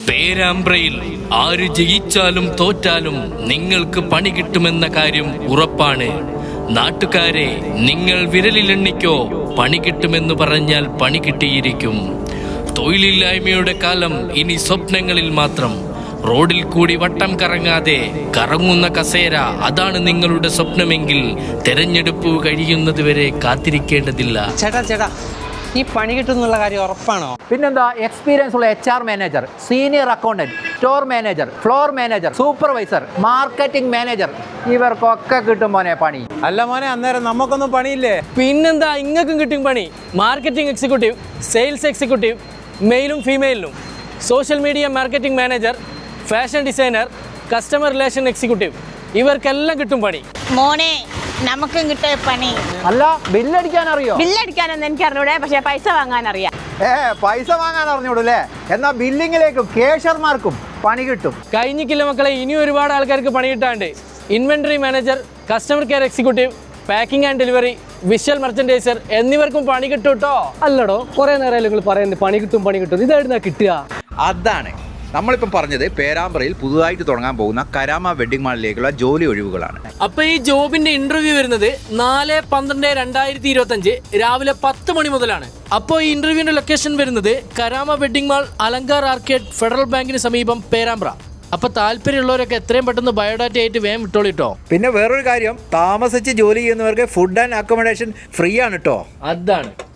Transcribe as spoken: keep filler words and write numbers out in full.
പേരാമ്പ്രയിൽ ആര് ജയിച്ചാലും തോറ്റാലും നിങ്ങൾക്ക് പണി കിട്ടുമെന്ന കാര്യം ഉറപ്പാണ്. നാട്ടുകാരെ, നിങ്ങൾ വിരലിലെണ്ണിക്കോ, പണി കിട്ടുമെന്ന് പറഞ്ഞാൽ പണി കിട്ടിയിരിക്കും. തൊഴിലില്ലായ്മയുടെ കാലം ഇനി സ്വപ്നങ്ങളിൽ മാത്രം. റോഡിൽ കൂടി വട്ടം കറങ്ങാതെ കറങ്ങുന്ന കസേര, അതാണ് നിങ്ങളുടെ സ്വപ്നമെങ്കിൽ തെരഞ്ഞെടുപ്പ് കഴിയുന്നതുവരെ കാത്തിരിക്കേണ്ടതില്ല. ചേട്ടാ ചേട്ടാ ഈ പണി കിട്ടുന്നുള്ള കാര്യം ഉറപ്പാണോ? പിന്നെന്താ, എക്സ്പീരിയൻസ് ഉള്ള H R manager, senior accountant, store manager, floor manager, supervisor, marketing manager, ഇവർക്കൊക്കെ കിട്ടും മോനെ പണി. അല്ല മോനെ, അന്നേരം നമുക്കൊന്നും പണിയില്ലേ? പിന്നെന്താ, ഇങ്ങക്കും കിട്ടും പണി. മാർക്കറ്റിംഗ് എക്സിക്യൂട്ടീവ്, സെയിൽസ് എക്സിക്യൂട്ടീവ്, മെയിലും ഫീമെയിലും, social media marketing manager, fashion designer, customer relation executive, ഇവർക്കെല്ലാം കിട്ടും പണി. മോനെ, നമുക്കും കിട്ടിയ പണി. അല്ല, ബില്ലടിക്കാൻ അറിയോ? ബില്ലടിക്കാനൊന്നും എനിക്ക് അറിഞ്ഞൂടെ, പക്ഷെ പൈസ വാങ്ങാൻ അറിയാം. ഏ പൈസ വാങ്ങാൻ അറിഞ്ഞൂടല്ലേ? എന്നാ ബില്ലിങ്ങിലേക്കും കേഷ്യർമാർക്കും പണി കിട്ടും. കഴിഞ്ഞിക്കില്ല മക്കളെ, ഇനിയും ഒരുപാട് ആൾക്കാർക്ക് പണി കിട്ടാണ്ട്. Inventory manager, customer care executive, packing and delivery, visual merchandiser എന്നിവർക്കും പണി കിട്ടും കേട്ടോ. അല്ലടോ, കുറെ നേരം നിങ്ങൾ പറയുന്നത് പണി കിട്ടും പണി കിട്ടും. ഇതായിരുന്നു കിട്ടുക. അതാണ് നമ്മളിപ്പം പറഞ്ഞത്. പേരാമ്പ്രയിൽ പുതുതായിട്ട് തുടങ്ങാൻ പോകുന്ന കരാമ വെഡിങ് മാളിലേക്കുള്ള ജോലി ഒഴിവുകളാണ്. അപ്പൊ ഈ ജോബിന്റെ ഇന്റർവ്യൂ വരുന്നത് നാല് പന്ത്രണ്ട് രണ്ടായിരത്തി ഇരുപത്തി അഞ്ച് രാവിലെ പത്ത് മണി മുതലാണ്. അപ്പോൾ ഈ ഇന്റർവ്യൂവിന്റെ ലൊക്കേഷൻ വരുന്നത് Karama wedding mall, Alankar arcade, federal ബാങ്കിന് സമീപം, പേരാമ്പ്ര. അപ്പൊ താല്പര്യമുള്ളവരൊക്കെ എത്രയും പെട്ടെന്ന് ബയോഡാറ്റ ആയിട്ട് വേഗം വിട്ടോളിട്ടോ. പിന്നെ വേറൊരു കാര്യം, താമസിച്ച് ജോലി ചെയ്യുന്നവർക്ക് ഫുഡ് ആൻഡ് അക്കോമഡേഷൻ ഫ്രീ ആണ് കേട്ടോ. അതാണ്.